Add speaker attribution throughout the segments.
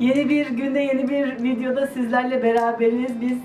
Speaker 1: Yeni bir günde, yeni bir videoda sizlerle beraberiz. Biz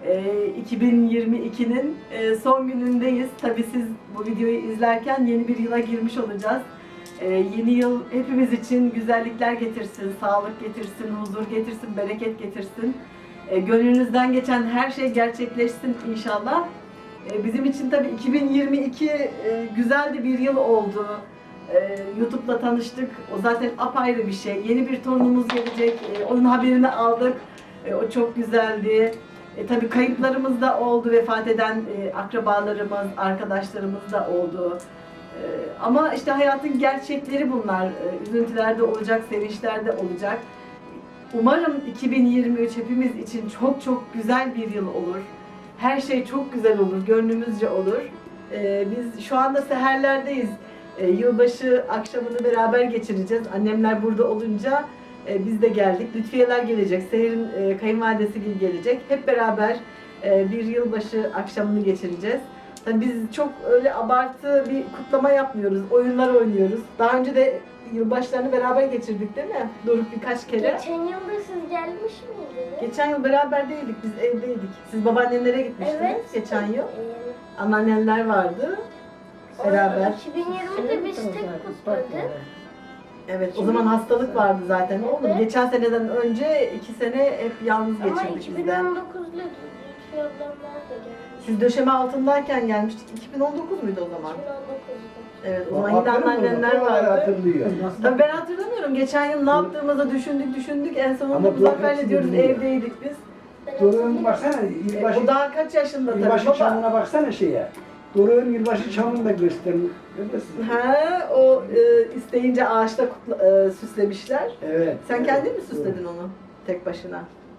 Speaker 1: 2022'nin son günündeyiz. Tabii siz bu videoyu izlerken yeni bir yıla girmiş olacağız. Yeni yıl hepimiz için güzellikler getirsin, sağlık getirsin, huzur getirsin, bereket getirsin. Gönlünüzden geçen her şey gerçekleşsin inşallah. Bizim için tabii 2022 güzel de bir yıl oldu. YouTube'la tanıştık. O zaten apayrı bir şey. Yeni bir torunumuz gelecek. Onun haberini aldık. O çok güzeldi. Tabii kayıplarımız da oldu. Vefat eden akrabalarımız, arkadaşlarımız da oldu. Ama işte hayatın gerçekleri bunlar. Üzüntüler de olacak, sevinçler de olacak. Umarım 2023 hepimiz için çok çok güzel bir yıl olur. Her şey çok güzel olur, gönlümüzce olur. Biz şu anda seherlerdeyiz. Yılbaşı akşamını beraber geçireceğiz. Annemler burada olunca biz de geldik. Lütfiyeler gelecek, Seher'in kayınvalidesi gelecek. Hep beraber bir yılbaşı akşamını geçireceğiz. Tabii biz çok öyle abartı bir kutlama yapmıyoruz. Oyunlar oynuyoruz. Daha önce de yılbaşlarını beraber geçirdik değil mi? Doruk birkaç kere.
Speaker 2: Geçen yıl da siz gelmiş miydiniz?
Speaker 1: Geçen yıl beraber değildik, biz evdeydik. Siz babaannenlere gitmiştiniz geçen yıl. Anneanneler vardı. Beraber.
Speaker 2: 2020'de biz tek kutladık.
Speaker 1: Evet, o zaman hastalık vardı zaten oğlum.
Speaker 2: Evet.
Speaker 1: Geçen seneden önce 2 sene hep yalnız
Speaker 2: Ama
Speaker 1: geçirdik biz de.
Speaker 2: 2019'da Lütfi ablamlar da gelmiş.
Speaker 1: Siz döşeme altındayken gelmiştik. 2019 muydu o zaman?
Speaker 2: 2019'da.
Speaker 1: Evet, o zaman yine anneanneler vardı.
Speaker 3: Hatırlıyor.
Speaker 1: Tabii ben hatırlamıyorum. Geçen yıl ne yaptığımızı düşündük. En sonunda
Speaker 3: Ama
Speaker 1: Muzaffer'le
Speaker 3: Doruk
Speaker 1: diyoruz
Speaker 3: hepsini
Speaker 1: evdeydik biz.
Speaker 3: Doruk'un baksana,
Speaker 1: O daha kaç yaşında tabii
Speaker 3: yılbaşı
Speaker 1: baba?
Speaker 3: çamına baksana şeye. Doruk'un yılbaşı çamını da gösterin. Görüyorsun.
Speaker 1: Ha, o isteyince ağaçta süslemişler.
Speaker 3: Evet.
Speaker 1: Sen kendin mi süsledin onu tek başına?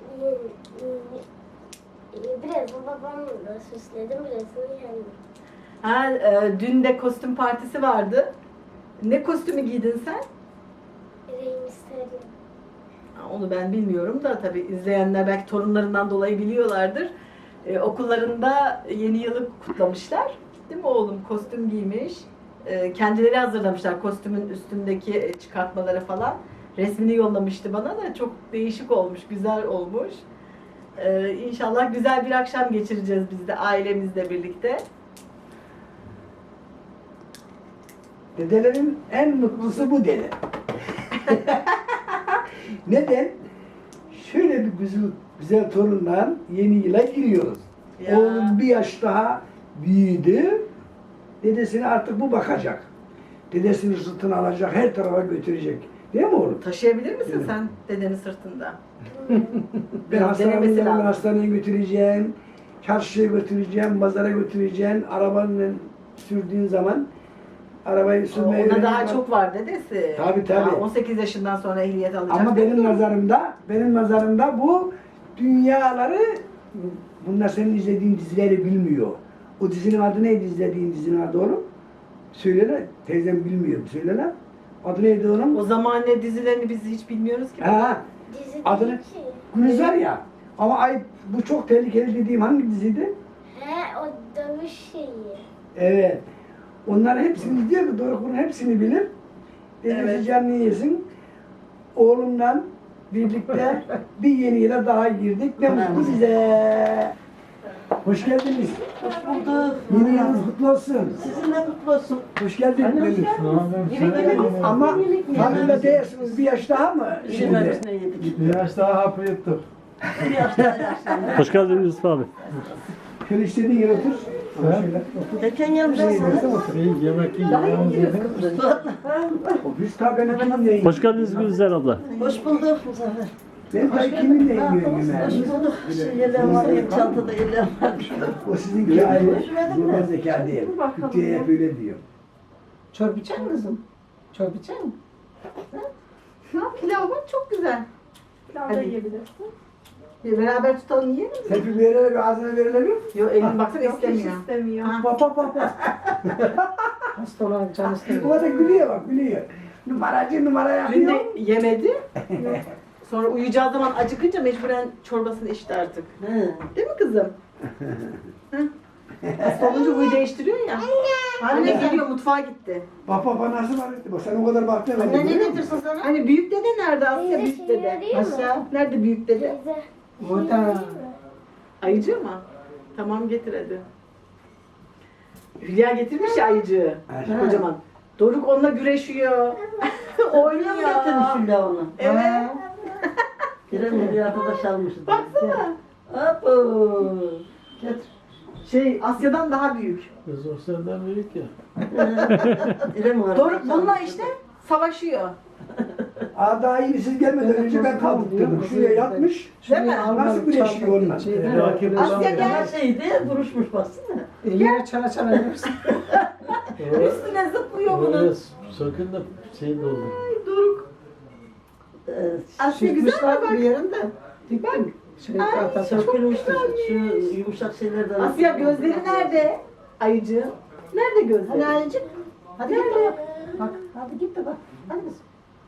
Speaker 2: Birazını babamla süsledim, birazını kendim.
Speaker 1: Ha, dün de kostüm partisi vardı. Ne kostümü giydin sen?
Speaker 2: Rey Mysterio.
Speaker 1: Ha, onu ben bilmiyorum da tabii izleyenler belki torunlarından dolayı biliyorlardır. Okullarında yeni yılı kutlamışlar. Değil mi oğlum? Kostüm giymiş. Kendileri hazırlamışlar kostümün üstündeki çıkartmaları falan. Resmini yollamıştı bana da çok değişik olmuş, güzel olmuş. İnşallah güzel bir akşam geçireceğiz biz de ailemizle birlikte.
Speaker 3: Dedelerin en mutlusu bu dede. Neden? Şöyle bir güzel torunla yeni yıla giriyoruz.
Speaker 1: Ya.
Speaker 3: Oğlum bir yaş daha büyüdü. Dedesine artık bu bakacak. Dedesini sırtına alacak, her tarafa götürecek. Değil mi oğlum?
Speaker 1: Taşıyabilir misin
Speaker 3: Evet.
Speaker 1: sen dedenin sırtında?
Speaker 3: Ben
Speaker 1: Denemesi lazım.
Speaker 3: hastaneye götüreceğim, çarşıya götüreceğim, pazara götüreceğim. Arabanla sürdüğün zaman arabayı sürmeyi
Speaker 1: Ona daha
Speaker 3: öğrenmek-
Speaker 1: çok var dedesi.
Speaker 3: Tabii.
Speaker 1: Daha 18 yaşından sonra ehliyet alacak.
Speaker 3: Ama benim nazarımda bu dünyaları, bunlar senin izlediğin dizileri bilmiyor. O dizinin adı neydi, izlediğin dizinin adı oğlum? Söyle lan, teyzem bilmiyor. Söyle lan. Adı neydi oğlum?
Speaker 1: O zaman ne dizilerini biz hiç bilmiyoruz ki.
Speaker 3: Ha,
Speaker 2: Dizi
Speaker 3: adını
Speaker 2: değil ki.
Speaker 3: Gülizar ya. Ama ay bu çok tehlikeli dediğim hangi diziydi?
Speaker 2: He, o dövüş şeyi.
Speaker 3: Evet. Onların hepsini diyor ki Doruk bunun hepsini bilir. Dedesi
Speaker 1: Evet.
Speaker 3: canını yesin. Oğlumla birlikte bir yeni yıla daha girdik. Ne mutlu bize. Hoş geldiniz.
Speaker 4: Hoş bulduk.
Speaker 3: Yeni yılınız kutlu olsun.
Speaker 4: Sizin de kutlu olsun.
Speaker 3: Hoş geldin.
Speaker 4: Yemek yemediniz.
Speaker 3: Ama farkında değilsiniz. Bir yaş daha mı? Şimdi.
Speaker 4: Yemek yedik.
Speaker 5: Bir yaş daha hapı yuttuk.
Speaker 4: Bir yaşta yaşlandı.
Speaker 6: Hoş geldiniz Yusuf abi.
Speaker 3: Şöyle istediğin yere otur. Şöyle.
Speaker 4: Geçen yıl nasılsınız?
Speaker 5: İyi yemek yiyeceğimiz yedim.
Speaker 3: Biz ta ben kiminle
Speaker 6: Hoş geldiniz Gülizar abla.
Speaker 4: Hoş bulduk Muzaffer.
Speaker 3: Ben ta kiminle yiyorum
Speaker 4: Hoş
Speaker 3: yemeği.
Speaker 4: bulduk. Şu yerler var ya, çantada yerler var.
Speaker 3: O sizinki ayrı. Normal zeka değil. Türkiye hep öyle diyor.
Speaker 4: Çorba içer misin kızım? Çorba içer misin?
Speaker 1: Ha, pilav bak çok güzel.
Speaker 7: Pilav
Speaker 1: Hadi.
Speaker 7: da yiyebilirsin.
Speaker 1: Beraber tutalım yiyelim mi?
Speaker 3: Serpil verelim bir ağzına verelim.
Speaker 1: Yok elin baksana
Speaker 7: Yok hiç
Speaker 1: istemiyor.
Speaker 7: istemiyor.
Speaker 1: Ha.
Speaker 3: Bak bak bak bak.
Speaker 4: Hasta olan can
Speaker 3: Bu
Speaker 4: istemiyor.
Speaker 3: da gülüyor bak gülüyor. Numaracı numara
Speaker 1: Dün
Speaker 3: yapıyor.
Speaker 1: de yemedi. Sonra uyuyacağı zaman acıkınca mecburen çorbasını içti artık.
Speaker 4: He.
Speaker 1: Değil mi kızım? Hasta olunca huyu değiştiriyor ya. Anne geliyor, mutfağa gitti.
Speaker 3: Bak baba nasıl var etti. Bak sen o kadar baktın.
Speaker 4: Anne ne getirsin sana?
Speaker 1: Hani büyük dede nerede Asya,
Speaker 2: Teyze
Speaker 1: büyük
Speaker 2: şey
Speaker 1: dede?
Speaker 2: arayayım mı?
Speaker 4: Aşağı.
Speaker 1: Nerede büyük dede?
Speaker 2: Teyze.
Speaker 4: Burada.
Speaker 1: Ayıcı mı? Tamam getir hadi. Hülya getirmiş ya ayıcığı.
Speaker 3: Ha.
Speaker 1: Kocaman. Doruk onunla güreşiyor. Oynuyor.
Speaker 7: Getirmiş Hülya onu.
Speaker 1: Evet.
Speaker 4: Ha.
Speaker 7: Girelim bir arkadaş almışız.
Speaker 1: Baksana.
Speaker 7: Apo.
Speaker 4: Getir.
Speaker 1: Şey Asya'dan daha büyük.
Speaker 5: Kız o senden büyük ya.
Speaker 7: İrem arkadaş
Speaker 1: Doruk bununla
Speaker 7: almışız.
Speaker 1: işte savaşıyor.
Speaker 3: Aa daha iyi siz gelmeden önce ben kaldırdım. Şuraya yatmış.
Speaker 1: Değil mi?
Speaker 3: Nasıl güreşiyor onunla?
Speaker 5: Rakip
Speaker 1: Asya
Speaker 5: olan
Speaker 1: gel.
Speaker 7: Her şeydi vuruşmuş baksana.
Speaker 4: Yere çara çara yersin.
Speaker 1: Üstüne zıplıyor bunun.
Speaker 5: Oraya sakın da şey doldu.
Speaker 1: Ay Doruk. Asya güzel mi
Speaker 4: Çıkmışlar bir
Speaker 1: bak?
Speaker 4: yerinde. Diktim. Şey,
Speaker 1: Ay,
Speaker 4: tahta.
Speaker 7: Sökülmüştür. Şu yumuşak şeylerden.
Speaker 1: Asya gözleri nerede? Ayıcığım. Nerede gözleri?
Speaker 4: Hadi ayıcık. Hadi git de bak. Bak. Hadi git de bak. Hadi kızım.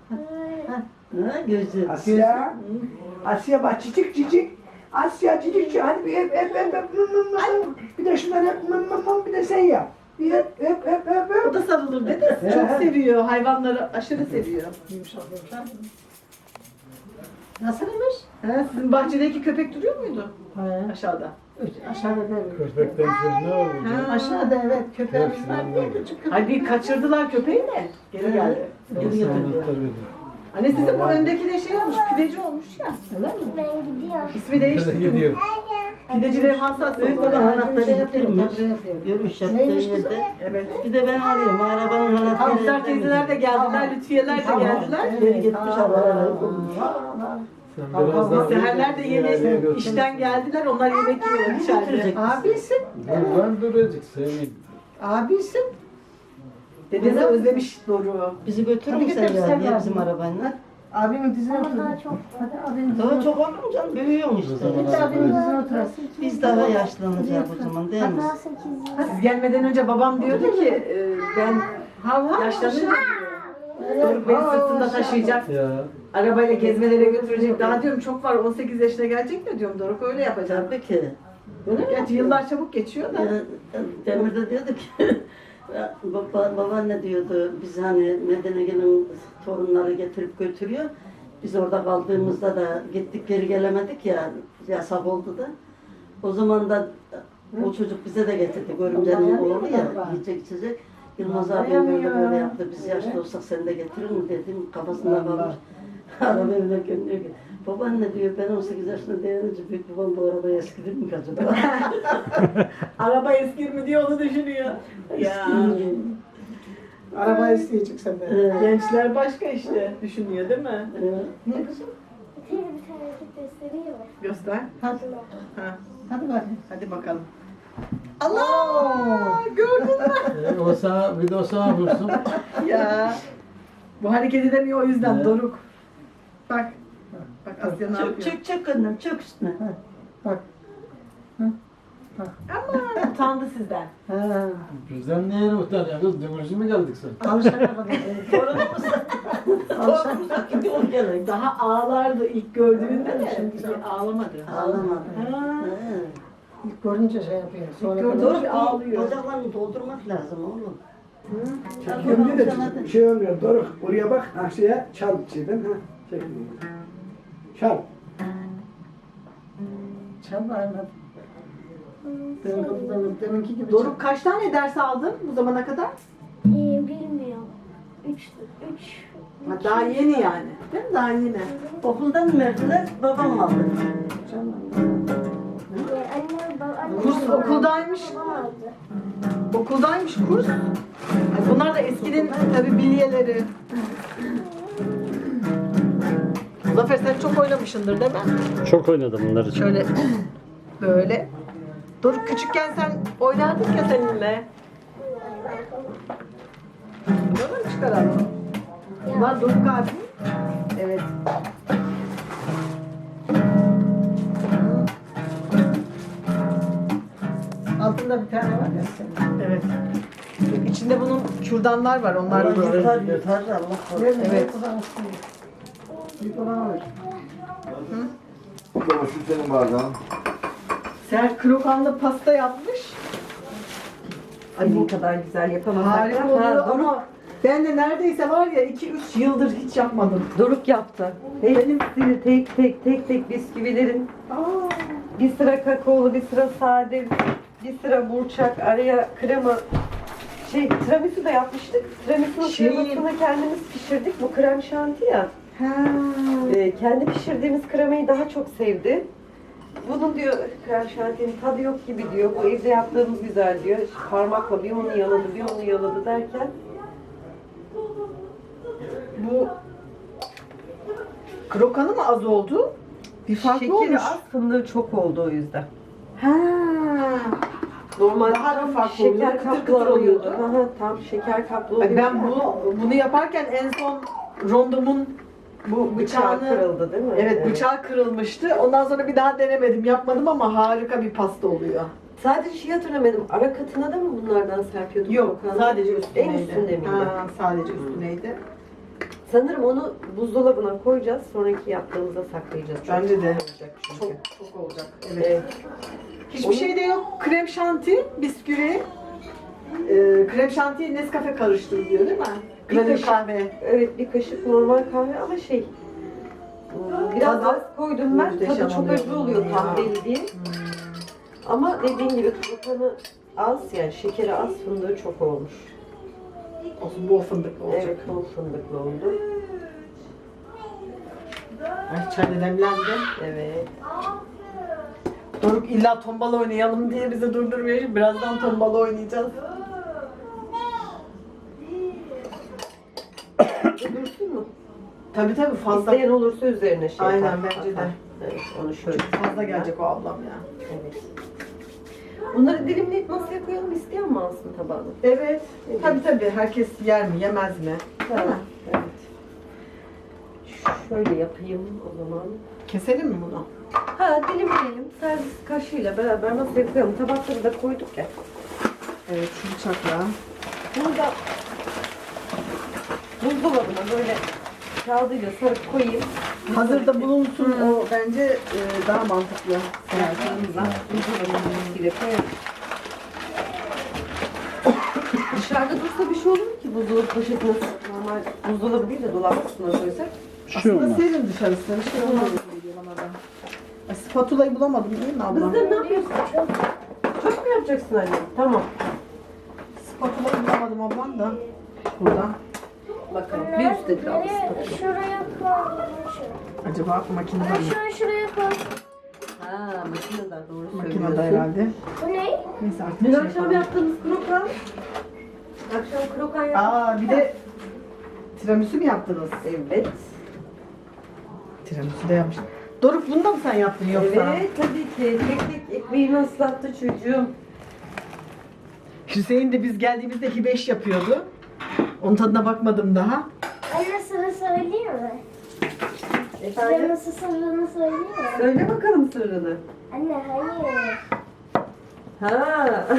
Speaker 7: Ha gözü.
Speaker 3: Asya. Asya bak cicik cicik. Asya cicik cicik. Hadi bir öp. Bir de şunları öp. Bir de sen yap. Bir öp.
Speaker 1: O da sarılır dedi.
Speaker 3: He.
Speaker 1: Çok seviyor. Hayvanları aşırı seviyor.
Speaker 4: Yumuşak yumuşak. Nasılmış?
Speaker 1: He, sizin bahçedeki köpek duruyor muydu?
Speaker 4: He.
Speaker 1: Aşağıda.
Speaker 4: Aşağıda değil.
Speaker 5: Köpekten sonra ne oldu?
Speaker 1: Ha.
Speaker 4: Aşağıda evet köpeğimiz var diye
Speaker 5: Hepsinden
Speaker 4: küçük köpek.
Speaker 1: Ay bir kaçırdılar köpeği de. Geri geldi.
Speaker 7: Geri getirdi.
Speaker 1: Anne sizin bu öndeki de şey olmuş, pideci olmuş ya.
Speaker 4: Öyle mi?
Speaker 2: Ben gidiyorum.
Speaker 1: İsmi değişti.
Speaker 5: Gidiyor.
Speaker 1: Pidecilerin hassas.
Speaker 7: Büyük baba anahtarı getirmiş.
Speaker 4: Tabii.
Speaker 7: Görmüş yaptığı
Speaker 4: Neymiş
Speaker 7: yerde.
Speaker 1: Evet.
Speaker 7: Bir de ben arıyorum. Arabanın anahtarı.
Speaker 1: Hamster teyzeler de geldiler, Lütfiyeler de geldiler.
Speaker 7: Geri gitmiş arabayla.
Speaker 5: Sen biraz daha
Speaker 1: Seherler de yeni işten geldiler, onlar yemek yiyorlar içeride.
Speaker 7: Götürecek.
Speaker 4: Abisin.
Speaker 5: buradan duracak Sevin.
Speaker 4: Abisin.
Speaker 1: Dedesi özlemiş Doruk'u.
Speaker 7: Bizi götürür
Speaker 4: Hadi
Speaker 7: müsün
Speaker 4: götür, sen
Speaker 7: ya
Speaker 4: ver.
Speaker 7: bizim arabayla?
Speaker 4: Abimin dizine
Speaker 2: Ama
Speaker 4: otur.
Speaker 2: daha çok.
Speaker 4: Hadi abinin dizine
Speaker 7: Daha
Speaker 4: otur.
Speaker 7: çok olur mu canım? Büyüyorsun işte.
Speaker 4: Git abinin dizine oturasın.
Speaker 7: Biz daha yaşlanacağız o zaman değil mi?
Speaker 2: Daha 8 yıl.
Speaker 1: Siz gelmeden önce babam diyordu ki ben yaşlanınca diyor, Doruk beni sırtında taşıyacak,
Speaker 5: Ya.
Speaker 1: arabayla gezmelere götürecek. Daha diyorum çok var, 18 yaşına gelecek mi diyorum, Doruk öyle yapacak.
Speaker 7: Tabii ki.
Speaker 1: Gerçi yıllar çabuk geçiyor da.
Speaker 7: Demir de diyordu ki babaanne diyordu biz hani Medine gelin torunları getirip götürüyor. Biz orada kaldığımızda da gittik geri gelemedik ya yasak oldu da. O zaman da o çocuk bize de getirdi. Görümcenin oğlu ya yiyecek içecek. Yılmaz abi böyle yaptı. Biz yaşlı olsak sen de getirir mi dedim. Kafasında kalmış. Araba evine gönderiyor ki. Babaanne diyor ben 18 yaşında değerince büyük babam bu arabaya eskidir mi acaba?
Speaker 1: Araba eskir mi diye onu düşünüyor. Ya.
Speaker 4: Araba isteyecek senden.
Speaker 1: Gençler başka işte düşünüyor değil mi?
Speaker 4: Ne kızım?
Speaker 2: Bir tane hareket göstereyim mi?
Speaker 1: Göster.
Speaker 4: Hadi.
Speaker 1: Ha,
Speaker 4: Hadi bakayım.
Speaker 1: hadi bakalım. Allah! Gördün mü?
Speaker 5: O sana, bir de o sana vursun.
Speaker 1: Ya. Bu hareket edemiyor o yüzden
Speaker 5: Evet.
Speaker 1: Doruk. Bak. Bak Asya ne
Speaker 7: Çök
Speaker 1: yapıyor?
Speaker 7: çök çök annem çök üstüne.
Speaker 4: Bak.
Speaker 1: Ama utandı sizden.
Speaker 4: Ha.
Speaker 5: Bizden neye utanıyor kız? Dümürcü mü geldik sen?
Speaker 4: Alışana kadar.
Speaker 7: Torunumuz
Speaker 4: Alışana
Speaker 7: da o gerek.
Speaker 1: Daha ağlardı ilk gördüğünde de.
Speaker 4: Şimdi
Speaker 1: Şimdi ağlamadı.
Speaker 7: Ağlamadı.
Speaker 1: Ha.
Speaker 4: İlk görünce şey yapıyor. Sonra
Speaker 1: gördüm.
Speaker 7: Doğru
Speaker 1: Ağlıyor.
Speaker 7: bacaklarını doldurmak lazım oğlum.
Speaker 3: Gömdü de şey olmuyor. Doruk oraya bak. Asya'ya çarp şeyden. Ha. Çek. Çarp.
Speaker 4: Çal aynen. Deminki gibi.
Speaker 1: Doruk kaç tane ders aldın bu zamana kadar?
Speaker 2: Bilmiyorum. 3
Speaker 1: Ha, daha yeni yani. Değil mi? Daha yeni.
Speaker 7: Okuldan mı verdiler? Babam aldı.
Speaker 2: Annem
Speaker 1: Kurs okuldaymış.
Speaker 2: babam aldı.
Speaker 1: Okuldaymış kurs. Ay, bunlar da eskinin tabii bilyeleri. Zafer sen çok oynamışsındır değil mi?
Speaker 6: Çok oynadım bunları.
Speaker 1: Şöyle böyle. Doruk küçükken sen oynardık ya seninle. Bunları mı çıkaralım? Bunlar Doruk abi. Evet.
Speaker 4: Altında bir tane var ya senin.
Speaker 1: Evet. İçinde bunun kürdanlar var. Onlar
Speaker 7: Allah
Speaker 1: böyle.
Speaker 7: yeter yeter Allah korusun.
Speaker 1: Evet.
Speaker 4: Bir olan alır.
Speaker 8: Baba şu senin bardağın.
Speaker 1: Ser krokanlı pasta yapmış.
Speaker 4: Senin kadar güzel yapamasak
Speaker 1: Harika
Speaker 4: da.
Speaker 1: oluyor
Speaker 4: Ha,
Speaker 1: ama ben de neredeyse var ya 2-3 yıldır hiç yapmadım.
Speaker 4: Doruk yaptı. Hepsini tek tek bisküvilerin. Bir sıra kakaolu, bir sıra sade, bir sıra burçak, araya krema. Tiramisu da yapmıştık. Tiramisu'nun kremasını kendimiz pişirdik. Bu krem şanti ya. Kendi pişirdiğimiz kremayı daha çok sevdi. Bunun diyor krem şantinin tadı yok gibi diyor. Bu evde yaptığımız güzel diyor. İşte parmakla bir onu yaladı, bir onu yaladı derken
Speaker 1: Bu krokanı mı az oldu? Bir farklı
Speaker 4: şekeri
Speaker 1: olmuş.
Speaker 4: az, fındığı çok oldu o yüzden.
Speaker 1: Ha.
Speaker 4: Normalde
Speaker 1: Daha
Speaker 4: tam
Speaker 1: farklı
Speaker 4: şeker
Speaker 1: oluyordu, kıtır
Speaker 4: kaplı
Speaker 1: kıtır
Speaker 4: oluyordu.
Speaker 1: oluyordu.
Speaker 4: Aha, tam şeker kaplı oluyordu.
Speaker 1: Ben bunu yaparken en son rondomun bu
Speaker 4: bıçağı
Speaker 1: bıçağını
Speaker 4: kırıldı değil mi?
Speaker 1: evet bıçağı kırılmıştı. Ondan sonra bir daha denemedim, yapmadım ama harika bir pasta oluyor.
Speaker 4: Sadece şey hatırlamadım. Ara katına da mı bunlardan serpiyorduk?
Speaker 1: Yok,
Speaker 4: Volkan'da?
Speaker 1: sadece üstüneydi.
Speaker 4: En üstünde miydi?
Speaker 1: Ha, sadece üstüneydi.
Speaker 4: Sanırım onu buzdolabına koyacağız. Sonraki yaptığımızda saklayacağız. Çok
Speaker 1: Bence de.
Speaker 4: olacak çünkü.
Speaker 1: Çok olacak. Evet.
Speaker 4: Evet.
Speaker 1: Hiçbir şey de yok. Krem şanti, bisküvi, krem şantiye Nescafe karıştırılıyor değil mi?
Speaker 4: Bir
Speaker 1: Granül
Speaker 4: kaşık.
Speaker 1: kahve.
Speaker 4: Evet, bir kaşık normal kahve ama biraz
Speaker 1: Tadı
Speaker 4: az koydum ben.
Speaker 1: muhteşem
Speaker 4: Tadı çok
Speaker 1: oluyor.
Speaker 4: acı oluyor kahveli diye. Ama dediğin gibi krokanı az, yani şekeri az, fındığı çok olmuş.
Speaker 1: Olsun, bol fındıklı olacak.
Speaker 4: Evet, bol fındıklı oldu.
Speaker 1: Ay, çay da demlendi.
Speaker 4: Evet.
Speaker 1: Doruk illa tombala oynayalım diye bizi durdurmuyor. Birazdan tombala oynayacağız.
Speaker 4: Dursun mu?
Speaker 1: Tabii fazla.
Speaker 4: İsteyen olursa üzerine şey
Speaker 1: Aynen,
Speaker 4: atar,
Speaker 1: bence de.
Speaker 4: atar. Evet, onu şöyle.
Speaker 1: Fazla gelecek o ablam ya.
Speaker 4: Evet. Bunları dilimleyip masaya koyalım, isteyen mi alsın tabağını?
Speaker 1: Evet. Tabii herkes yer mi yemez mi?
Speaker 4: Tamam. Evet. Şöyle yapayım o zaman.
Speaker 1: Keselim mi bunu?
Speaker 4: Ha, dilimleyelim. Servis kaşığıyla beraber masaya koyalım. Tabakları da koyduk ya.
Speaker 1: Evet, şu bıçakla.
Speaker 4: Bunu da buzdolabına böyle kağıdıyla sarıp koyayım.
Speaker 1: Hazırda bulunsun o bence daha mantıklı.
Speaker 4: Buzdolabına ile koyalım. Dışarıda dursa bir şey olur mu ki buzdolabı poşetine normal buzdolabı değil de dolap kısmına koysak?
Speaker 6: Bir şey
Speaker 1: Aslında
Speaker 6: olmaz.
Speaker 1: serin dışarısı. Bir şey olmaz gibi geliyor bana da. Ay, spatulayı bulamadım değil mi abla?
Speaker 4: Kızlar ne yapıyorsun? Çok mu yapacaksın anne? Tamam.
Speaker 1: Spatulayı bulamadım ablam da. Burada.
Speaker 4: Bakalım. Bir üsttedir abla.
Speaker 2: Nereye? Şuraya koy.
Speaker 1: Acaba makinede mi?
Speaker 2: Şuraya koy.
Speaker 4: Ha, makinede doğru
Speaker 1: Makinede
Speaker 4: söylüyorsun.
Speaker 1: herhalde.
Speaker 2: Bu ne?
Speaker 1: Neyse artık
Speaker 4: Dün
Speaker 1: bir şey
Speaker 4: akşam
Speaker 1: yapalım.
Speaker 4: yaptığımız krokan. Akşam krokan yaptık.
Speaker 1: Aa, bir de tiramisu mu yaptınız?
Speaker 4: Evet.
Speaker 1: Tiramisu da yapmış. Doruk, bunu da mı sen yaptın yoksa?
Speaker 4: Evet tabii ki. Tek tek ekmeğimi ıslattı çocuğum.
Speaker 1: Hüseyin de biz geldiğimizde hibeş yapıyordu. Onun tadına bakmadım daha.
Speaker 2: Anne sana söyleyeyim mi?
Speaker 4: Efendim?
Speaker 2: Size nasıl sırrını söyleyeyim mi?
Speaker 4: Söyle bakalım sırrını.
Speaker 2: Anne hayır.
Speaker 4: Ha.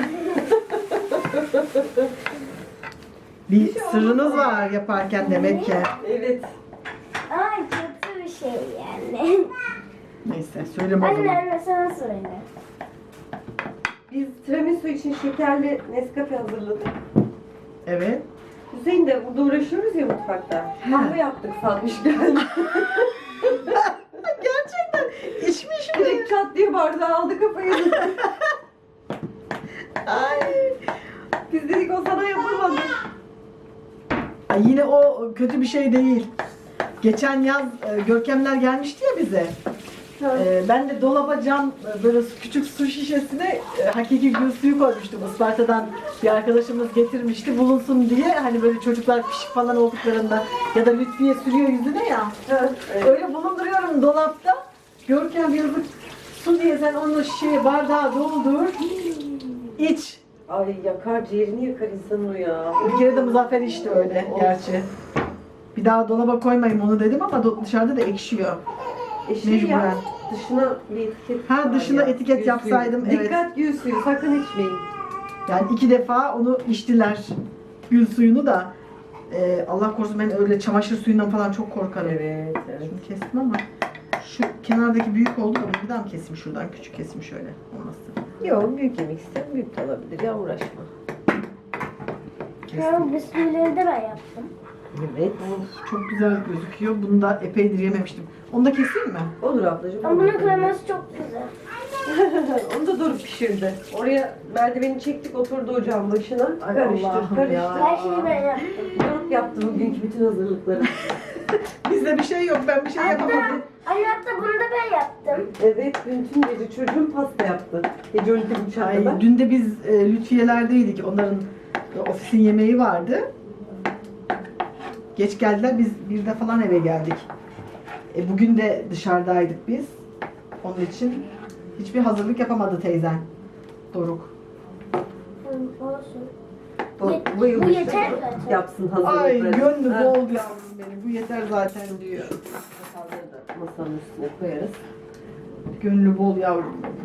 Speaker 1: Bir sırrınız var yaparken demek ki.
Speaker 4: Evet.
Speaker 2: Ay kötü bir şey yani.
Speaker 1: Neyse, söyleme o
Speaker 2: Anne
Speaker 1: zaman.
Speaker 2: anne sana söyle.
Speaker 4: Biz tiramisu için şekerli Nescafe hazırladık.
Speaker 1: Evet.
Speaker 4: Hüseyin de burada uğraşıyoruz ya mutfakta. Kahve yaptık salmış geldi.
Speaker 1: Gerçekten içmiş mi?
Speaker 4: Direkt çat diye bardağı aldı kafaya.
Speaker 1: Ay.
Speaker 4: Biz dedik o sana yapılmadı.
Speaker 1: Ay, yine o kötü bir şey değil. Geçen yaz Görkemler gelmişti ya bize. Ben de dolaba cam böyle küçük su şişesine hakiki gül suyu koymuştum. Isparta'dan bir arkadaşımız getirmişti bulunsun diye. Hani böyle çocuklar pişik falan olduklarında ya da Lütfiye sürüyor yüzüne ya. Öyle bulunduruyorum dolapta. Görkem yazık su diye sen onu şişeye bardağa doldur. İç.
Speaker 4: Ay yakar, ciğerini yakar insanın o ya.
Speaker 1: Bir kere de Muzaffer içti öyle gerçi. Bir daha dolaba koymayayım onu dedim ama dışarıda da ekşiyor.
Speaker 4: Şey
Speaker 1: Mecburen.
Speaker 4: ya, dışına bir etiket
Speaker 1: Ha,
Speaker 4: var
Speaker 1: dışına
Speaker 4: ya,
Speaker 1: etiket
Speaker 4: gül
Speaker 1: yapsaydım,
Speaker 4: suyu.
Speaker 1: evet.
Speaker 4: Dikkat gül suyu, sakın içmeyin.
Speaker 1: Yani 2 defa onu içtiler. Gül suyunu da. Allah korusun, ben öyle çamaşır suyundan falan çok korkarım.
Speaker 4: Evet, evet.
Speaker 1: Şunu kestim ama şu kenardaki büyük oldu da bunu bir daha mı keseyim şuradan? Küçük keseyim şöyle. Olmazsa.
Speaker 4: Yok, büyük yemek isteyen büyük de olabilir ya, uğraşma.
Speaker 2: Ben bisküvileri de ben yaptım.
Speaker 4: Evet.
Speaker 1: Of, çok güzel gözüküyor. Bunu da epeydir yememiştim. Onu da keseyim mi?
Speaker 4: Olur ablacığım.
Speaker 2: Ama
Speaker 4: olur.
Speaker 2: bunun kreması çok güzel.
Speaker 4: Onu da Doruk pişirdi. Oraya merdiveni çektik, oturdu ocağın başına.
Speaker 1: Ay
Speaker 4: Karıştır,
Speaker 1: Allah'ım
Speaker 4: karıştır.
Speaker 1: ya.
Speaker 2: Her şeyi ben yaptım.
Speaker 4: Doruk yaptı bugünkü bütün hazırlıkları.
Speaker 1: Bizde bir şey yok. Ben bir şey yapamadım.
Speaker 2: Anne hatta bunu da ben yaptım.
Speaker 4: Evet, bütün gece çocuğum pasta yaptı. Gece 12.30'a kadar.
Speaker 1: Ay, dün de biz Lütfiyelerdeydik. Onların ofisin yemeği vardı. Geç geldiler. Biz 1'de falan eve geldik. Bugün de dışarıdaydık biz. Onun için hiçbir hazırlık yapamadı teyzen. Doruk.
Speaker 2: Olsun.
Speaker 4: O
Speaker 2: Bu
Speaker 4: bayılmış.
Speaker 2: yeter zaten.
Speaker 4: Yapsın
Speaker 1: Ay
Speaker 4: hazırlıkları.
Speaker 1: gönlü
Speaker 4: Ha.
Speaker 1: bol yavrum benim. Bu yeter zaten diyor.
Speaker 4: Masaları da masanın üstüne koyarız.
Speaker 1: Gönlü bol yavrum benim.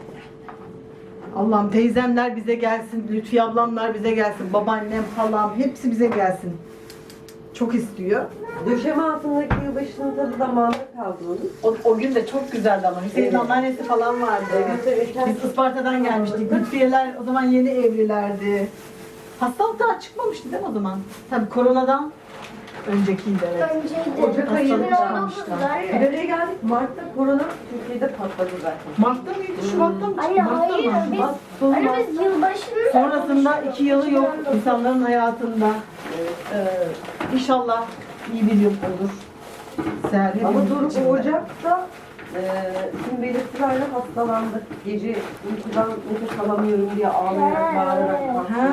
Speaker 1: Allah'ım teyzemler bize gelsin, Lütfiye ablamlar bize gelsin, babaannem, halam hepsi bize gelsin. Çok istiyor.
Speaker 4: Döşeme altındaki yılbaşının tadı damağında kaldı onun.
Speaker 1: O gün de çok güzeldi ama Hüseyin
Speaker 4: Evet.
Speaker 1: anneannesi falan vardı.
Speaker 4: Evet.
Speaker 1: Biz Isparta'dan gelmiştik. Lütfiyeler o zaman yeni evlilerdi. Hastalık daha çıkmamıştı değil mi o zaman? Tabii koronadan öncekiydi evet.
Speaker 2: Önceydi.
Speaker 4: Ocak ayı
Speaker 2: 2019'da.
Speaker 4: Bir araya geldik. Mart'ta korona Türkiye'de patladı zaten.
Speaker 1: Mart'ta mıydı, Şubat'ta mı?
Speaker 2: Anne
Speaker 1: Mart'ta
Speaker 2: hayır
Speaker 1: mı?
Speaker 2: biz,
Speaker 1: Mart,
Speaker 2: anne biz yılbaşını
Speaker 1: Sonrasında 2 yılı yok insanların hayatında. İnşallah iyi bir yıl olur. Seher
Speaker 4: Ama
Speaker 1: hepimiz
Speaker 4: Doruk
Speaker 1: için de.
Speaker 4: o Ocak'ta tüm belirtilerle hastalandı. Gece uykudan nefes alamıyorum diye ağlayarak, bağırarak kalktı.
Speaker 1: Ha.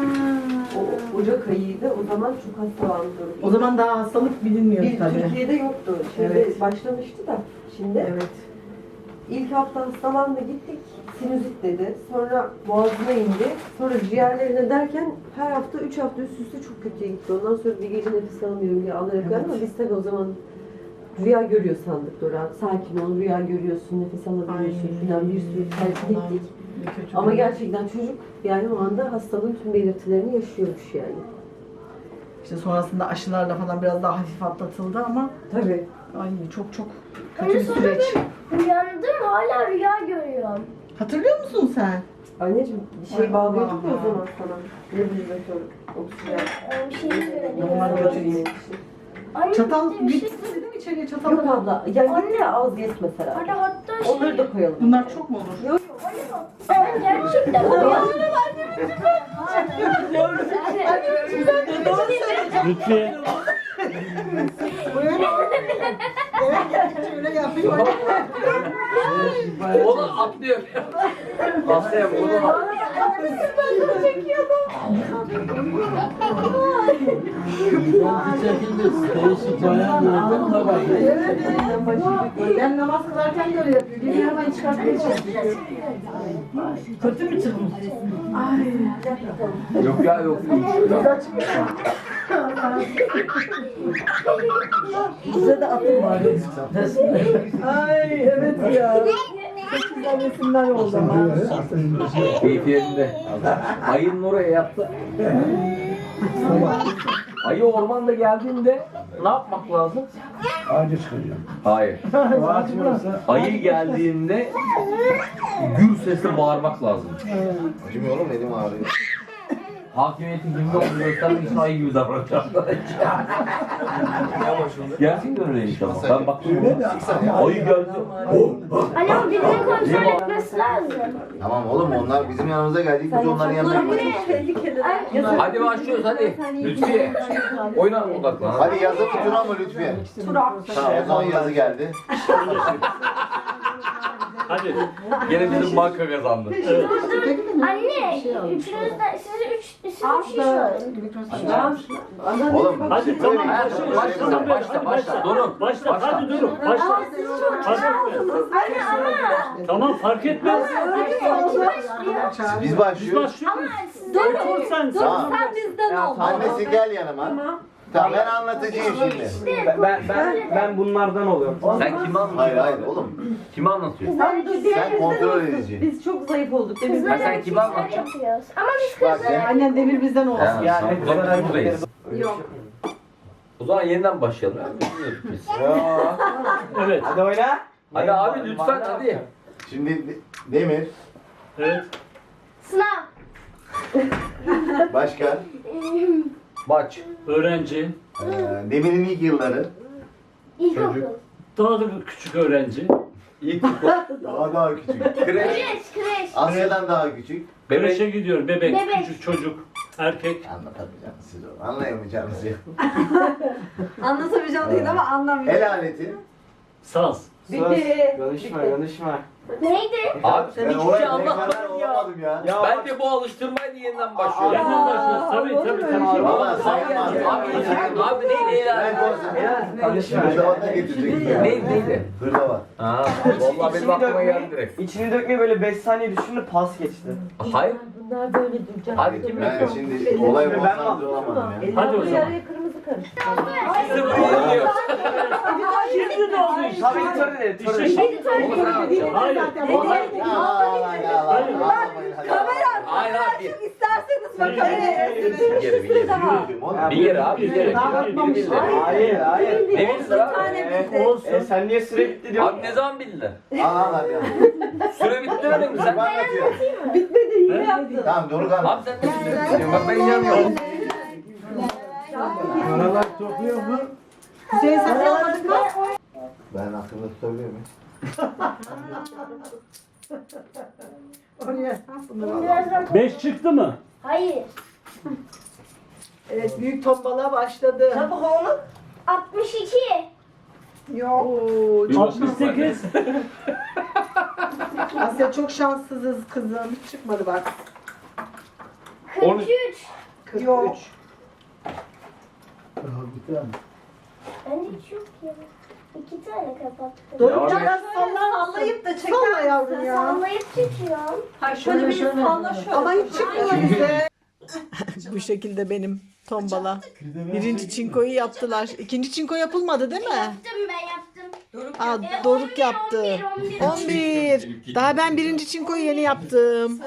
Speaker 4: O Ocak ayıydı. O zaman çok hastalandı Doruk.
Speaker 1: O zaman daha hastalık bilinmiyor
Speaker 4: Bir
Speaker 1: tabii.
Speaker 4: Türkiye'de yoktu. Şimdi
Speaker 1: Evet.
Speaker 4: başlamıştı da. Şimdi
Speaker 1: Evet.
Speaker 4: ilk hafta hastalandı gittik. Sinüzit dedi. Sonra boğazına indi. Sonra ciğerlerine derken her hafta 3 hafta üst üste çok kötüye gitti. Ondan sonra bir gece nefes alamıyorum diye ağlayarak
Speaker 1: Evet.
Speaker 4: geldi ama biz tabii o zaman rüya görüyor sandık Dora. Sakin ol, rüya görüyorsun, nefes alabiliyorsun
Speaker 1: Ay.
Speaker 4: falan bir sürü telkin
Speaker 1: Allah'ım,
Speaker 4: ettik.
Speaker 1: ne kötü
Speaker 4: Ama
Speaker 1: bir-
Speaker 4: gerçekten çocuk yani o anda hastalığın tüm belirtilerini yaşıyormuş yani.
Speaker 1: İşte sonrasında aşılarla falan biraz daha hafif atlatıldı ama
Speaker 4: Tabii.
Speaker 1: ay çok çok kötü
Speaker 2: Anne
Speaker 1: bir
Speaker 2: sonra
Speaker 1: süreç.
Speaker 2: ben uyandım hala rüya görüyorum.
Speaker 1: Hatırlıyor musun sen?
Speaker 4: Anneciğim bir
Speaker 1: Ay
Speaker 4: şey bağlıyorduk ya o
Speaker 1: Allah.
Speaker 4: zaman sana. Nebulizatör, oksijen.
Speaker 2: Bir şey
Speaker 1: Normal
Speaker 2: göremiyorum.
Speaker 1: götüreyim.
Speaker 2: Anne
Speaker 1: Çatal
Speaker 2: bir şey.
Speaker 1: gitmedi değil mi içeriye çatal?
Speaker 4: Yok abla, ya gitti ya az yes mesela.
Speaker 2: Anne hatta şey.
Speaker 4: Onları da koyalım.
Speaker 1: Bunlar çok mu olur?
Speaker 4: Yok
Speaker 2: Ben gerçekten uyandım.
Speaker 6: Lütfiye.
Speaker 1: Öyle yapıyor.
Speaker 8: O da atlıyor. Atlıyor, o da
Speaker 5: Ben çekildi. Değişik bayan gördüm de bak.
Speaker 1: Ben namaz kılarken de öyle yapıyor. Geliyor hemen çıkartmaya çalışıyor. Kötü mü çıkmış?
Speaker 8: Yok ya yok.
Speaker 4: bize de atın var.
Speaker 1: Ay evet ya. Çok güzel resimler oldu ama.
Speaker 8: Keyfi yerinde. Ayının oraya yaptı. Ayı ormanda geldiğinde ne yapmak lazım?
Speaker 3: Ağaca çıkacağım.
Speaker 8: Hayır. Ayı geldiğinde gür sesle bağırmak lazım.
Speaker 9: Acımıyor oğlum, elim ağrıyor.
Speaker 8: Hakimiyetin kimde olduğunu göstermek için ayı gibi davranacağım. Gerçekten öyle inşallah. Ben baktım. Ayı geldi.
Speaker 2: Anne o birinin kontrol etmesi lazım.
Speaker 9: Tamam oğlum, onlar bizim yanımıza geldik, biz onların yanına gittik.
Speaker 8: Hadi başlıyoruz hadi. Lütfiye. Oyuna odaklan.
Speaker 9: Hadi yazı tutuna mı Lütfiye? Tamam, o zaman yazı geldi.
Speaker 6: Hadi.
Speaker 8: Gene bizim banka kazandı.
Speaker 2: Anne, üçünüzden, siz üç şey söyleyin.
Speaker 9: Oğlum,
Speaker 6: Hadi tamam.
Speaker 8: Başla. Durun.
Speaker 6: Başla. Hadi durun. Başla. Fark etmez.
Speaker 2: Anne ama.
Speaker 6: Tamam fark etmez.
Speaker 9: biz
Speaker 6: Biz
Speaker 9: başlıyoruz.
Speaker 6: başlıyoruz.
Speaker 2: Dur,
Speaker 6: Otur sen.
Speaker 9: Tamam.
Speaker 2: sen bizden ol.
Speaker 9: Annesi gel yanıma. Tamam, ben anlatacağım şimdi.
Speaker 10: Ben bunlardan oluyorum.
Speaker 8: Sen kime
Speaker 9: Hayır
Speaker 8: anlatıyorsun?
Speaker 9: hayır oğlum.
Speaker 8: Kime anlatıyorsun?
Speaker 9: Sen kontrol edeceksin.
Speaker 4: Biz çok zayıf olduk. Değil mi?
Speaker 2: Kızlar
Speaker 8: sen kime
Speaker 2: erkekler
Speaker 8: anlatacaksın?
Speaker 2: yapıyoruz. Ama biz
Speaker 9: Bak
Speaker 2: kızlar
Speaker 9: ben,
Speaker 1: Annen demir bizden olsun.
Speaker 8: Ya,
Speaker 10: Yani
Speaker 8: sen buradayız.
Speaker 1: Yok.
Speaker 8: O zaman yeniden başlayalım. Biz.
Speaker 6: Evet.
Speaker 10: Hadi oyna.
Speaker 8: Hadi abi lütfen hadi.
Speaker 9: şimdi Demir,
Speaker 6: Evet.
Speaker 2: sınav.
Speaker 9: Başka?
Speaker 10: Baç.
Speaker 6: Öğrenci.
Speaker 9: Demir'in ilk yılları.
Speaker 2: İlkokul.
Speaker 6: Daha da küçük öğrenci.
Speaker 9: Daha küçük.
Speaker 2: Kreş.
Speaker 9: Asya'dan daha küçük.
Speaker 6: Kreşe gidiyor. Bebek,
Speaker 2: Bebek.
Speaker 6: küçük çocuk, erkek.
Speaker 9: Anlatamayacaksınız siz onu. Anlayamayacağınız ya.
Speaker 4: Anlatamayacağım değil ama anlamıyorum.
Speaker 9: El aleti.
Speaker 6: Saz.
Speaker 4: Bitti.
Speaker 10: Konuşma.
Speaker 2: Neydi?
Speaker 8: Abi sen
Speaker 9: Ben
Speaker 8: hiçbir
Speaker 9: oraya
Speaker 8: şey
Speaker 9: ne kadar
Speaker 8: anlatmadın ya.
Speaker 9: olamadım ya.
Speaker 8: Bence bu alıştırmaydı yeniden başlıyor.
Speaker 6: Yeniden başlıyoruz. Tabii.
Speaker 9: Valla sayılmaz.
Speaker 8: Abi neydi
Speaker 9: Ben
Speaker 8: ya?
Speaker 9: konuşayım. Hırdavat da getirecektim.
Speaker 8: Neydi?
Speaker 9: Hırdavat.
Speaker 8: Ha, vallahi benim aklıma geldi direkt.
Speaker 10: İçini dökmeyi böyle 5 saniye düşündü pas geçti.
Speaker 8: Hayır.
Speaker 4: Bunlar böyle duracak.
Speaker 8: Hadi kim
Speaker 9: Ben
Speaker 8: yapıyor?
Speaker 9: şimdi olaya konsantre olamadım ya.
Speaker 6: Hadi o zaman.
Speaker 4: Yarıya kırmızı karıştı.
Speaker 8: Sıfırlanıyor.
Speaker 6: Şimdi ne oldu işte?
Speaker 10: Tabii editörü de editörü.
Speaker 6: İşte
Speaker 8: Onu sen anlatacaksın.
Speaker 6: Hayır.
Speaker 2: Kamera.
Speaker 8: Hayır abi.
Speaker 4: İsterseniz
Speaker 6: bakalım.
Speaker 8: Bir kere. Bir kere abi bir kere.
Speaker 10: Hayır.
Speaker 8: Ne bilsin abi?
Speaker 6: Olsun.
Speaker 10: Sen niye süre bitti diyorsun?
Speaker 8: Abi ne zaman bildiler?
Speaker 9: Al ya.
Speaker 8: Süre bitti öyle mi sen?
Speaker 9: Ben anlatıyorum.
Speaker 4: bitmedi yine yaptın.
Speaker 9: Tamam Doruk abi.
Speaker 8: Abi sen ne süre bak ben inanmıyorum.
Speaker 3: Paralar topluyor mu?
Speaker 4: Hüseyin sen anladın mı?
Speaker 9: Ben aklımda tutabiliyor muyum?
Speaker 2: Birazdan
Speaker 6: 5 çıktı mı?
Speaker 2: Hayır.
Speaker 1: Evet, büyük tombala başladı.
Speaker 4: Çabuk oğlum.
Speaker 2: 62.
Speaker 1: Oo,
Speaker 6: 68.
Speaker 1: Asya çok şanssızız kızım. Hiç çıkmadı bak.
Speaker 2: 43.
Speaker 1: 43.
Speaker 2: Bende hiç yok ya. 2 tane kapattım.
Speaker 1: Doruk
Speaker 8: Devam
Speaker 1: biraz
Speaker 4: Sallayıp da çeker.
Speaker 1: Salla yavrum ya.
Speaker 2: Sallayıp çekiyorum.
Speaker 4: Hayır şöyle bir salla şöyle.
Speaker 1: Ama hiç çıkmıyor bize. Bu şekilde benim tombala. Birinci çinkoyu yaptılar. İkinci çinko yapılmadı değil mi?
Speaker 2: Yaptım ben yaptım.
Speaker 1: Aa, Doruk yaptı. 11. Daha ben birinci çinkoyu yeni yaptım.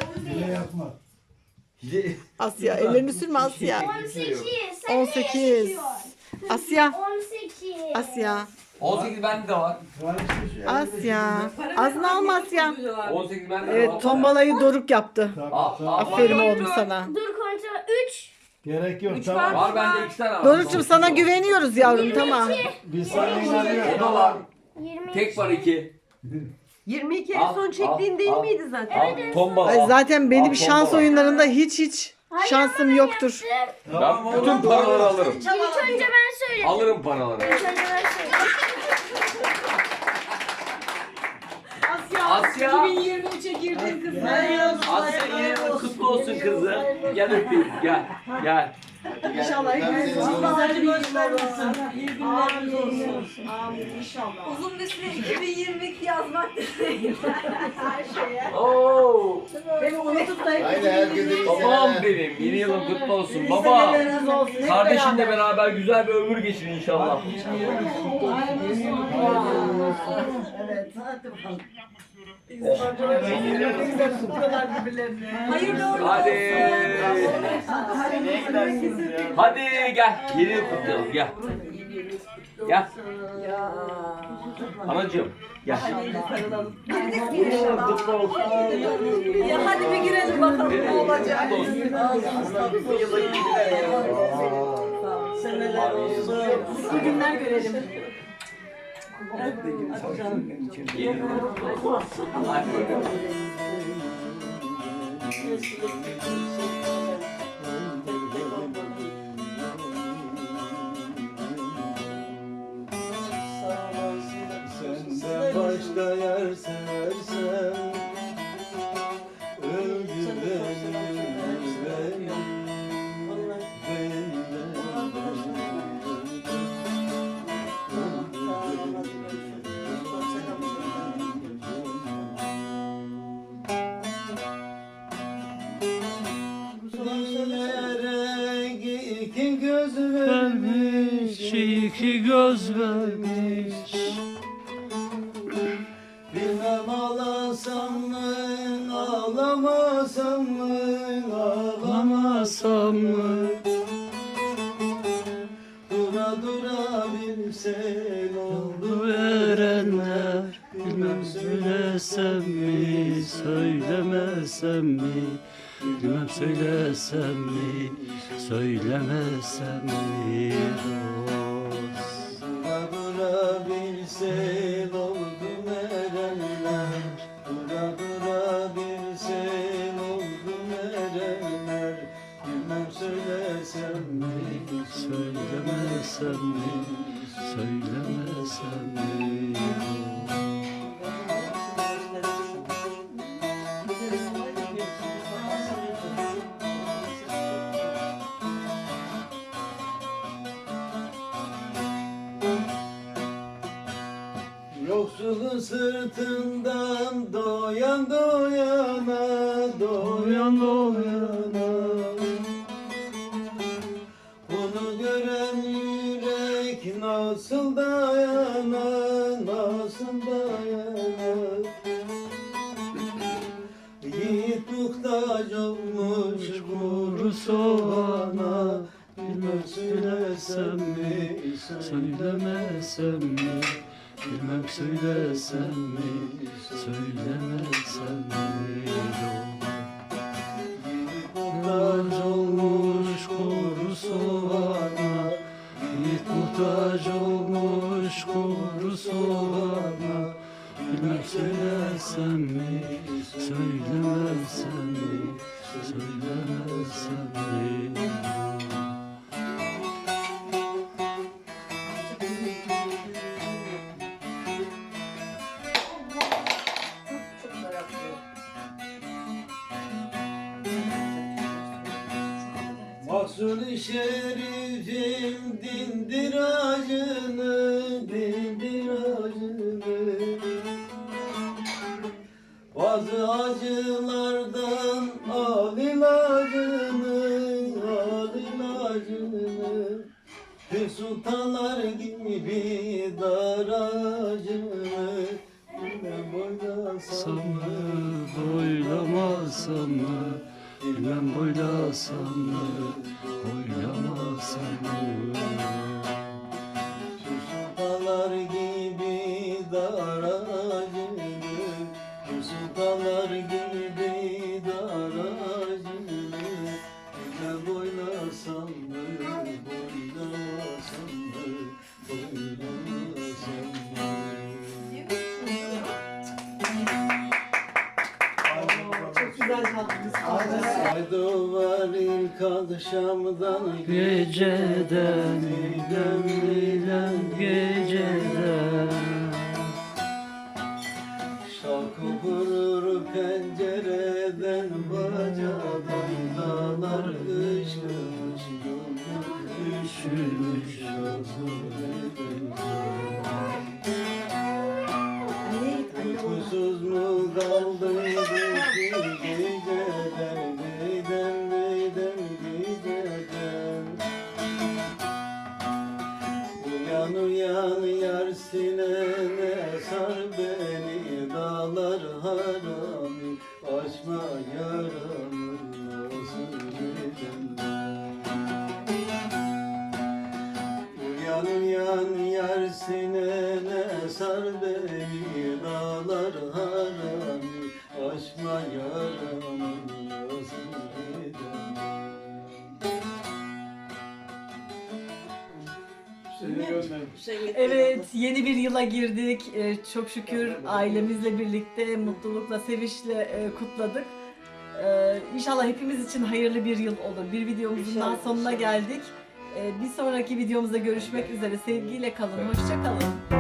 Speaker 1: Asya ellerini sürme Asya.
Speaker 2: 18. Sen
Speaker 1: 18.
Speaker 2: ne yaşıyorsun?
Speaker 1: Asya.
Speaker 2: 18.
Speaker 1: Asya.
Speaker 8: 18 bende de var.
Speaker 1: Asya. Ağzını alma Asya.
Speaker 8: 18 bende de var.
Speaker 1: Evet tombalayı Doruk yaptı. Aferin
Speaker 8: Var
Speaker 1: oğlum sana.
Speaker 2: Dur kontrol. 3.
Speaker 3: Gerek yok tamam.
Speaker 8: Var bende 2 tane var.
Speaker 1: Doruk'cum sana güveniyoruz yavrum tamam.
Speaker 3: Bir saniye inanıyorum.
Speaker 8: O da var.
Speaker 2: 20.
Speaker 8: Tek var 2.
Speaker 4: 22
Speaker 8: Al,
Speaker 4: en son
Speaker 8: al,
Speaker 4: çektiğin değil
Speaker 8: al.
Speaker 4: miydi zaten?
Speaker 8: Al tomba.
Speaker 1: Ay, zaten benim
Speaker 8: Al,
Speaker 1: şans
Speaker 8: tomba.
Speaker 1: oyunlarında hiç şansım yoktur.
Speaker 8: Ben bütün paraları alırım.
Speaker 2: İlk önce ben söyledim.
Speaker 8: Alırım paraları.
Speaker 2: İlk önce ben söyledim.
Speaker 8: Asya. 2023'e girdin kızım. Asya yeni yılın kutlu olsun kızım. Gel öpeyim. Gel.
Speaker 1: İnşallah hepimiz
Speaker 4: güzel bir yıllar olsun.
Speaker 1: İyi günleriniz olsun. Amin inşallah.
Speaker 4: Uzun bir süre 2022 yazmak değil.
Speaker 1: Her şeye.
Speaker 8: Oo.
Speaker 1: Beni unutup da hep
Speaker 9: Haydi herkese iyi
Speaker 8: Babam
Speaker 9: seneler.
Speaker 8: benim. Yeni yılın kutlu olsun. Baba.
Speaker 1: seneleriniz olsun. Hep
Speaker 8: Kardeşinle
Speaker 1: beraber.
Speaker 8: beraber güzel bir ömür geçirin inşallah.
Speaker 1: Evet. Ne güzel tutuyorlar birbirlerini.
Speaker 4: Hayırlı uğurlu
Speaker 8: Hadi. Hadi gel. Yeni yıl kutlayalım. Gel. Gel. Anacığım. Gel. Yeni yılın kutlu olsun.
Speaker 4: Ya hadi bir girelim bakalım ne olacak.
Speaker 1: Seneler olsun. Mutlu günler görelim.
Speaker 8: Yeni yılın kutlu olsun. Hadi bakalım.
Speaker 5: Senden başka yer seversem öldü benim yüreğim. Dillere iki göz vermiş,
Speaker 6: iki göz vermiş.
Speaker 5: bilmem ağlasam mı, ağlamasam mı, ağlamasam mı? Dura dura bilsen oldu verenler, bilmem söylesem mi, söylemesem mi?
Speaker 6: bilmem söylesem mi, söylemesem mi dost.
Speaker 5: Dura dura bir sel oldu erenler, dura dura bir sel oldu erenler. Bilmem söylesem mi,
Speaker 6: Söylemesem mi, söylemesem mi
Speaker 5: yoksulun sırtından doyan doyana, doyan doyana. Bunu gören yürek nasıl dayanar, nasıl dayanar? Yiğit muhtaç olmuş kuru soğana, bilmem söylesem mi,
Speaker 6: söylemesem mi, bilmem söylesem mi, söylemesem mi
Speaker 5: muhtaç olmuş kuru soğana,
Speaker 6: Yiğit muhtaç olmuş kuru soğana, bilmem söylesem mi, söylemesem mi, söylemesem mi
Speaker 5: Mahsul-i şerifim dindir acını, dindir acını. Bazı acılardan al ilacını, al ilacını. Hür sultanlar gibi dar acını. Bilmem boylasam mı,
Speaker 6: boylamasam mı, bilmem boylasam mı, boylamasam mı
Speaker 5: Hür sultanlar gibi dar acını. Hür sultanlar gibi dar acını. Bilmem boylasam mı, boylamasam mı, boylamasam mı?
Speaker 1: Çok güzel çaldınız.
Speaker 5: Saydo var ilk akşamdan
Speaker 6: Geceden, bilen geceden
Speaker 5: şarkı vurur pencereden, bacadan dağlar kış kış üşümüş uykusuz mu kaldıydık geceden, geceden, geceden. Uyan uyan yar sinene, sar beni dağlar harami, açma yaramı nasıl gecenden. Uyan uyan yar sinene, sar beni dağlar harami, açma yaramı nasıl gecenden.
Speaker 1: Evet, yeni bir yıla girdik. Çok şükür ailemizle birlikte, mutlulukla, sevinçle kutladık. İnşallah hepimiz için hayırlı bir yıl olur. Bir videomuzun daha sonuna geldik. Bir sonraki videomuzda görüşmek üzere. Sevgiyle kalın, hoşça kalın.